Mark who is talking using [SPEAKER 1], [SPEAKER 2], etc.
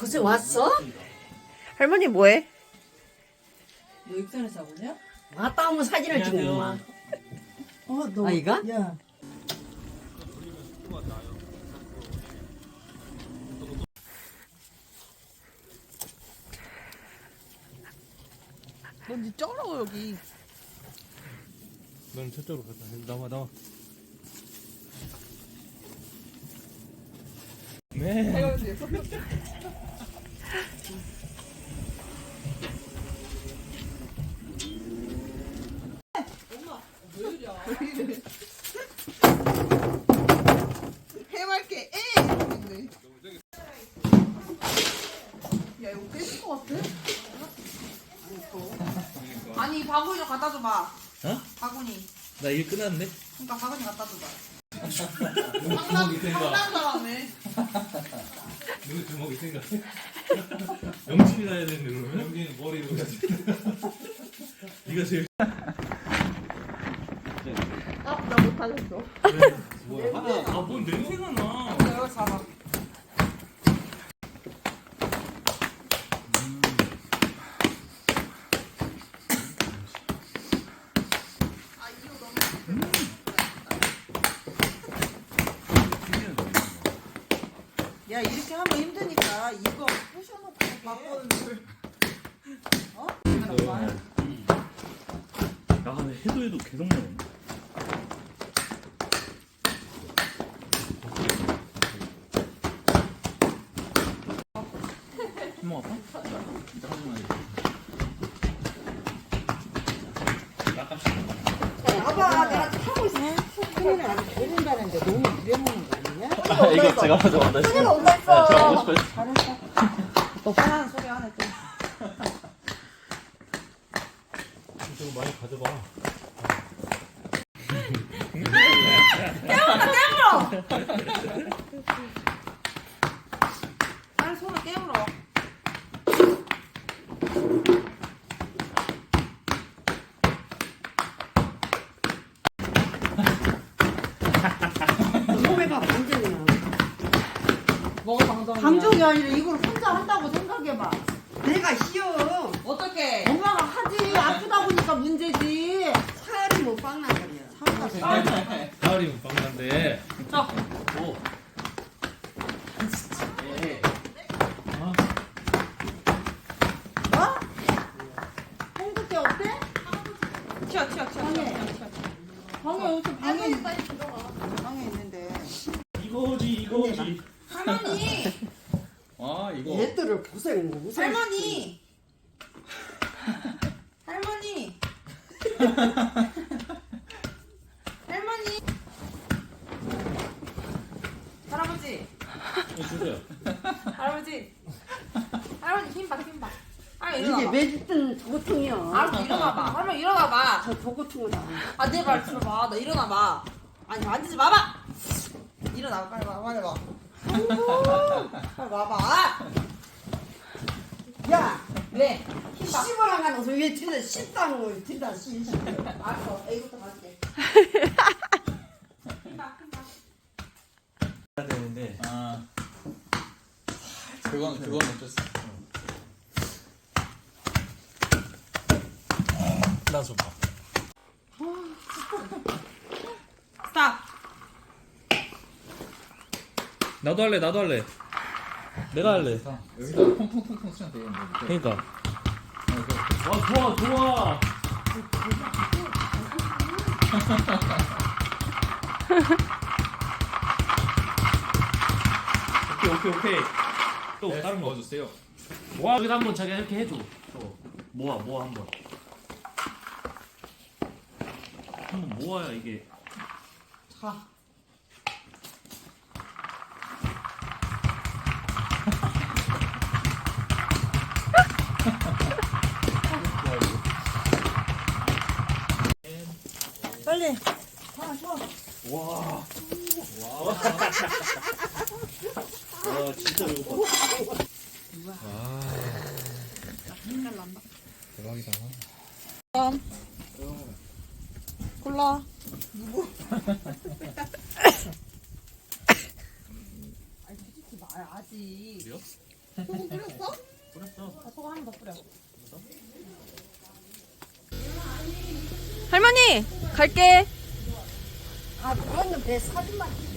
[SPEAKER 1] 그새 왔어?
[SPEAKER 2] 할머니 뭐해?
[SPEAKER 3] 너 익산에서 하고냐?
[SPEAKER 1] 왔다 오면 사진을 찍는구만.
[SPEAKER 3] 너.
[SPEAKER 1] 아이가?
[SPEAKER 3] 야.
[SPEAKER 2] 넌니 쩔어 여기.
[SPEAKER 4] 넌 저쪽으로 갔다. 나와 나와. 네.
[SPEAKER 2] 해맑게 에. 야 이거 깨질 것 같아? 아니 바구니 좀 갖다 줘봐.
[SPEAKER 4] 어?
[SPEAKER 2] 바구니.
[SPEAKER 4] 나 일 끝났는데?
[SPEAKER 2] 그러니까 바구니 갖다 줘봐.
[SPEAKER 4] 주먹이 생각.
[SPEAKER 2] 상남자라네.
[SPEAKER 4] 누구 주먹이 생각해? 영심이 나야 되는데 그러면? 영심이 머리로 가지. 네가 제일.
[SPEAKER 2] 나 못하겠어.
[SPEAKER 4] 뭐야? 하나. 뭔 냄새가 나.
[SPEAKER 2] 내가 잡아. 야 이렇게 하면 힘드니까 이거 부셔놓고 바꿔는 줄. 어?
[SPEAKER 4] 나 근데 해도 계속 나오네. 힘 아파? 진짜 하지마.
[SPEAKER 1] 봐봐, 내가 타고 있어. 손을 안 모른다는데 너무 부려먹는 거 아니냐?
[SPEAKER 4] 이거 제가 먼저 만났어요.
[SPEAKER 1] 손이가 온다 했어.
[SPEAKER 4] 제가 먹고 싶어요.
[SPEAKER 1] 잘했어.
[SPEAKER 2] 또 화나는 소리 하네 또.
[SPEAKER 4] 좀 많이 가져봐.
[SPEAKER 2] 빨리 손을 깨물어.
[SPEAKER 1] 몸에가 방전이야.
[SPEAKER 2] 뭐가 방정이야?
[SPEAKER 1] 방전이 아니라 이걸 혼자 한다고 생각해봐. 내가 쉬어.
[SPEAKER 2] 어떻게?
[SPEAKER 1] 엄마가 하지. 아프다 보니까 문제지. 살이 뭐 빵나거리야.
[SPEAKER 4] 가을이면 빵난데.
[SPEAKER 2] 자.
[SPEAKER 4] 오. 예.
[SPEAKER 1] 뭐? 홍두깨 어때?
[SPEAKER 2] 튀어.
[SPEAKER 1] 방에 여기 방에 있는데.
[SPEAKER 4] 이거지.
[SPEAKER 2] 할머니.
[SPEAKER 4] 아 이거.
[SPEAKER 1] 얘들을 고생 무슨.
[SPEAKER 2] 할머니. 할머니. 할머니. 할아버지.
[SPEAKER 4] 주세요.
[SPEAKER 2] 할아버지. 할머니 힘봐. 아
[SPEAKER 1] 이게
[SPEAKER 2] 일어나봐.
[SPEAKER 1] 매짓든 저고통이야.
[SPEAKER 2] 알았어 일어나봐. 할머니 일어나봐.
[SPEAKER 1] 저 저고통은 아니야.
[SPEAKER 2] 아 내 말 들어봐. 나 일어나봐. 아니 만지지 마봐. 일어나봐 빨리 와 빨리 와. 빨리 와봐.
[SPEAKER 1] 야,
[SPEAKER 2] 왜? 힘봐.
[SPEAKER 1] 씹어랑 가는 옷을 왜 들다 씹당을 들다 씹.
[SPEAKER 2] 알았어. 이것도 가줄게. 힘봐.
[SPEAKER 4] 해야 되는데.
[SPEAKER 5] 아, 그건 어쩔 수 없어.
[SPEAKER 4] 나 좀 봐.
[SPEAKER 2] 스탑.
[SPEAKER 4] 나도 할래. 내가 할래.
[SPEAKER 5] 여기다 통통통통 치면 되겠네.
[SPEAKER 4] 그러니까. 와 좋아. 오케이. 또
[SPEAKER 5] 네,
[SPEAKER 4] 다른 거.
[SPEAKER 5] 넣어주세요.
[SPEAKER 4] 모아 여기다 한번 자기가 이렇게 해줘. 모아 한번. 한번 모아야 이게.
[SPEAKER 2] 자. 빨리.
[SPEAKER 4] 와 진짜 배고파.
[SPEAKER 5] 대박이다.
[SPEAKER 2] 골라. 아니 뒤집지 마야지.
[SPEAKER 4] 그래요?
[SPEAKER 2] 소금 뿌렸어?
[SPEAKER 4] 뿌렸어.
[SPEAKER 2] 소금 한 번 더 뿌려.
[SPEAKER 6] 할머니 갈게.
[SPEAKER 1] 아, 그거는 배 사진만